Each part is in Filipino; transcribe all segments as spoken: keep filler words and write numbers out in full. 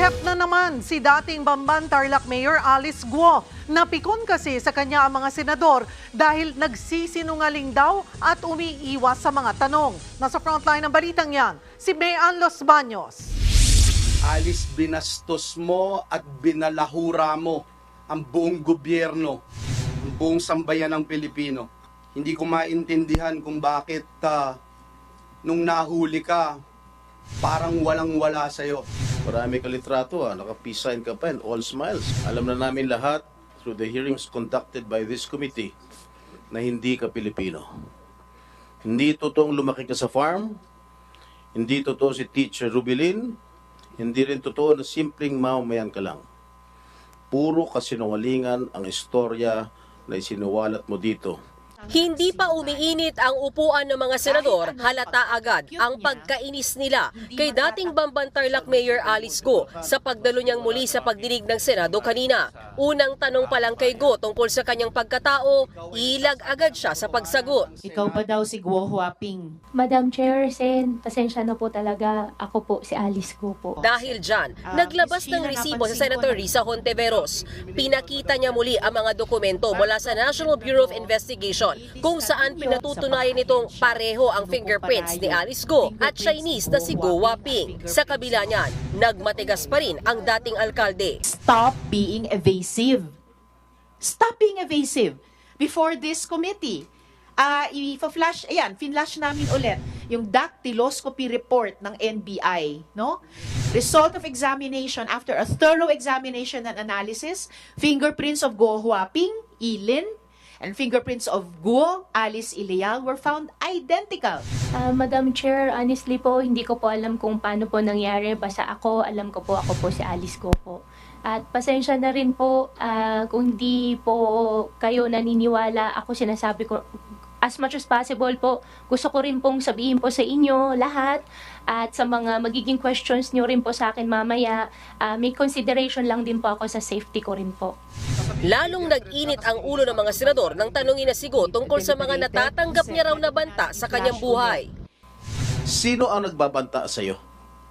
Sumikat na naman si dating Bamban Tarlac Mayor Alice Guo. Napikon kasi sa kanya ang mga senador dahil nagsisinungaling daw at umiiwas sa mga tanong. Nasa frontline ng balitang yan, si Mayan Los Baños. Alice, binastos mo at binalahura mo ang buong gobyerno, ang buong sambayan ng Pilipino. Hindi ko maintindihan kung bakit uh, nung nahuli ka, parang walang-wala sa'yo. Marami ka litrato, ah. Naka-peace sign ka pa and all smiles. Alam na namin lahat through the hearings conducted by this committee na hindi ka Pilipino. Hindi totoong lumaki ka sa farm, hindi totoo si Teacher Rubilin, hindi rin totoo na simpleng mamamayan ka lang. Puro kasinungalingan ang istorya na isinuwalat mo dito. Hindi pa umiinit ang upuan ng mga senador, halata agad ang pagkainis nila kay dating Bamban Tarlac Mayor Alice Guo sa pagdalo niyang muli sa pagdinig ng Senado kanina. Unang tanong pa lang kay Guo tungkol sa kanyang pagkatao, ilag agad siya sa pagsagot. Ikaw pa daw si Guo Huaping. Madam Chair, Sen, pasensya na po talaga. Ako po, si Alice Guo po. Dahil dyan, naglabas ng resibo sa Senator Risa Hontiveros. Pinakita niya muli ang mga dokumento mula sa National Bureau of Investigation kung saan pinatutunayan nitong pareho ang fingerprints ni Alice Guo at Chinese na si Guo Huaping. Sa kabila niyan, nagmatigas pa rin ang dating alkalde. Stop being evasive. Stop being evasive before this committee. Ah, uh, i-flash, ayan, finlash namin ulit yung dactyloscopy report ng N B I, no? Result of examination after a thorough examination and analysis, fingerprints of Guo Huaping, Ilin, and fingerprints of Guo, Alice Ileal were found identical. Uh, Madam Chair, honestly po, hindi ko po alam kung paano po nangyari. Basta ako, alam ko po, ako po si Alice Guo po. At pasensya na rin po uh, kung hindi po kayo naniniwala. Ako sinasabi ko, as much as possible po, gusto ko rin pong sabihin po sa inyo lahat at sa mga magiging questions nyo rin po sa akin mamaya, uh, may consideration lang din po ako sa safety ko rin po. Lalong nag-init ang ulo ng mga senador nang tanungin na si Guo tungkol sa mga natatanggap niya raw na banta sa kanyang buhay. Sino ang nagbabanta sa iyo?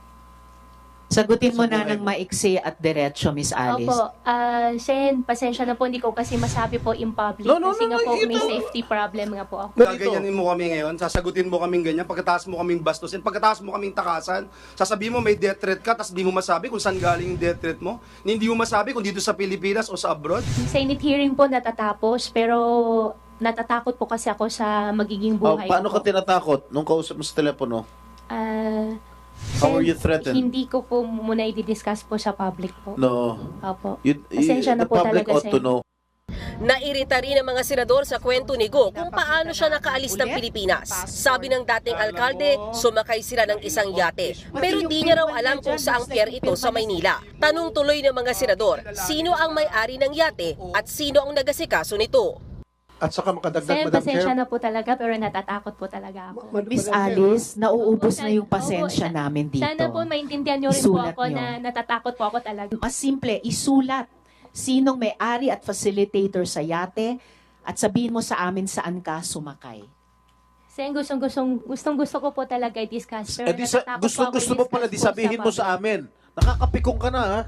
Sagutin mo na ng maiksi at diretso, Miss Alice. Opo, uh, Sen, pasensya na po, hindi ko kasi masabi po in public. No, no, kasi no, nga no, po, ito. may safety problem nga po ako. Gaganyanin mo kami ngayon, sasagutin mo kaming ganyan, pagkataas mo kaming bastusin, pagkataas mo kaming takasan, sasabihin mo may death threat ka, tapos di mo masabi kung saan galing yung death threat mo, hindi mo masabi kung dito sa Pilipinas o sa abroad. Senate hearing po natatapos, pero natatakot po kasi ako sa magiging Oh, buhay paano ko. ka tinatakot nung kausap mo sa telepono? Ah, How Sen, were you threatened? Hindi ko po muna i-discuss po sa public po. No. Opo. You, Pasensya na the po public talaga, ought to Sen. know. Nairita rin ang mga senador sa kwento ni Guo kung paano siya nakaalis ng Pilipinas. Sabi ng dating alkalde, sumakay sila ng isang yate. Pero di niya raw alam kung saang pier ito sa Maynila. Tanong tuloy ng mga senador, sino ang may-ari ng yate at sino ang nagasikaso nito? At saka makadagdag, Sen, Madam pasensya Chair. na po talaga, pero natatakot po talaga ako. Miss Alice, nauubos na yung pasensya Opo, namin dito. Sana po maintindihan nyo rin po Isulat ako nyo. na natatakot po ako talaga. Mas simple, isulat sinong may-ari at facilitator sa yate at sabihin mo sa amin saan ka sumakay. Sen, gustong, gustong, gustong gusto ko po talaga i-discuss. Pero Eh, di sa, natatakot gusto, po ako gusto mo pala, di i-discuss po sabihin mo sa public. amin. Nakakapikong ka na, ha?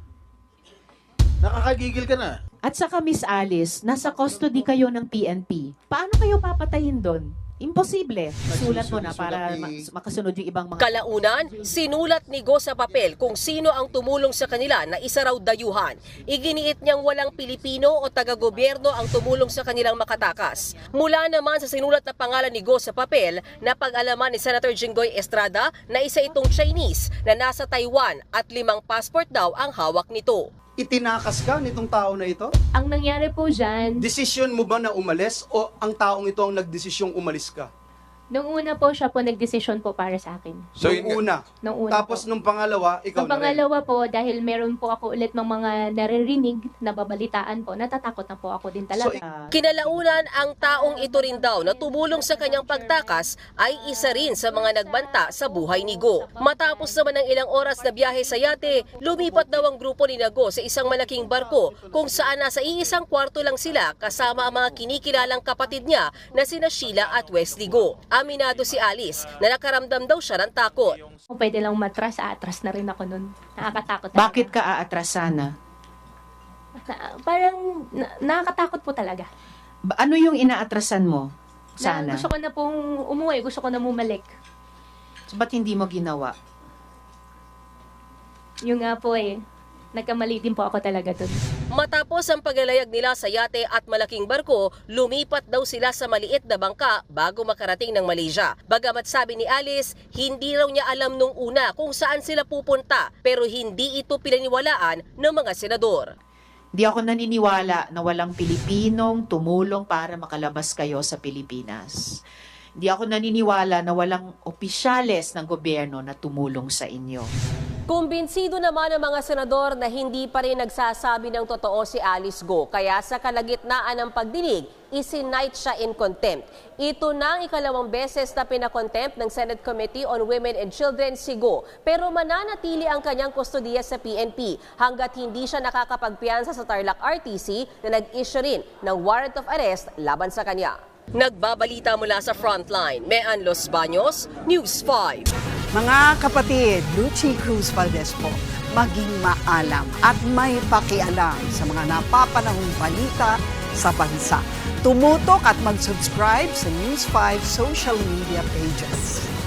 Nakakagigil ka na. At saka Miss Alice, nasa custody kayo ng P N P. Paano kayo papatayin doon? Imposible. Sulat mo na para ma- makasunod yung ibang mga... Kalaunan, sinulat ni Guo sa papel kung sino ang tumulong sa kanila na isa raw dayuhan. Iginiit niyang walang Pilipino o taga-gobyerno ang tumulong sa kanilang makatakas. Mula naman sa sinulat na pangalan ni Guo sa papel, napag-alaman ni Senator Jinggoy Estrada na isa itong Chinese na nasa Taiwan at limang passport daw ang hawak nito. Itinakas ka nitong tao na ito? Ang nangyari po dyan, Desisyon mo ba na umalis o ang taong ito ang nagdesisyong umalis ka? nung una po siya po nagdesisyon po para sa akin. So, nung una. Nung una Tapos po. nung pangalawa, ikaw Ang na rin. pangalawa po, dahil meron po ako ulit ng mga naririnig na babalitaan po, natatakot na po ako din talaga. So, Kinalaunan, ang taong ito rin daw na tumulong sa kanyang pagtakas ay isa rin sa mga nagbanta sa buhay ni Guo. Matapos naman ng ilang oras na biyahe sa yate, lumipat daw ang grupo ni Guo sa isang malaking barko kung saan nasa iisang kwarto lang sila kasama ang mga kinikilalang kapatid niya na sina Sheila at Wesley Guo. Aminado si Alice na nakaramdam daw siya ng takot. Kung pwede lang matras, atras na rin ako nun. Nakakatakot talaga. Bakit ka aatrasan? Na- parang na- nakakatakot po talaga. Ba- Ano yung inaatrasan mo? Na Sana. gusto ko na pong umuwi, gusto ko na bumalik. So, ba't hindi mo ginawa? Yung nga po eh, nagkamali din po ako talaga dun. Matapos ang paglalayag nila sa yate at malaking barko, lumipat daw sila sa maliit na bangka bago makarating ng Malaysia. Bagamat sabi ni Alice, hindi raw niya alam nung una kung saan sila pupunta, pero hindi ito pinaniwalaan ng mga senador. Hindi ako naniniwala na walang Pilipinong tumulong para makalabas kayo sa Pilipinas. Hindi ako naniniwala na walang opisyales ng gobyerno na tumulong sa inyo. Kumbinsido naman ang mga senador na hindi pa rin nagsasabi ng totoo si Alice Go. Kaya sa kalagitnaan ng pagdinig, isinight siya in contempt. Ito na ang ikalawang beses na pinakontempt ng Senate Committee on Women and Children si Go. Pero mananatili ang kanyang kustodiya sa P N P hanggat hindi siya nakakapagpiyansa sa Tarlac R T C na nag-issue rin ng warrant of arrest laban sa kanya. Nagbabalita mula sa Frontline, Mean Los Baños, News five. Mga kapatid, Lucy Cruz Valdez po, maging maalam at may pakialam sa mga napapanahong balita sa bansa. Tumutok at mag-subscribe sa News five social media pages.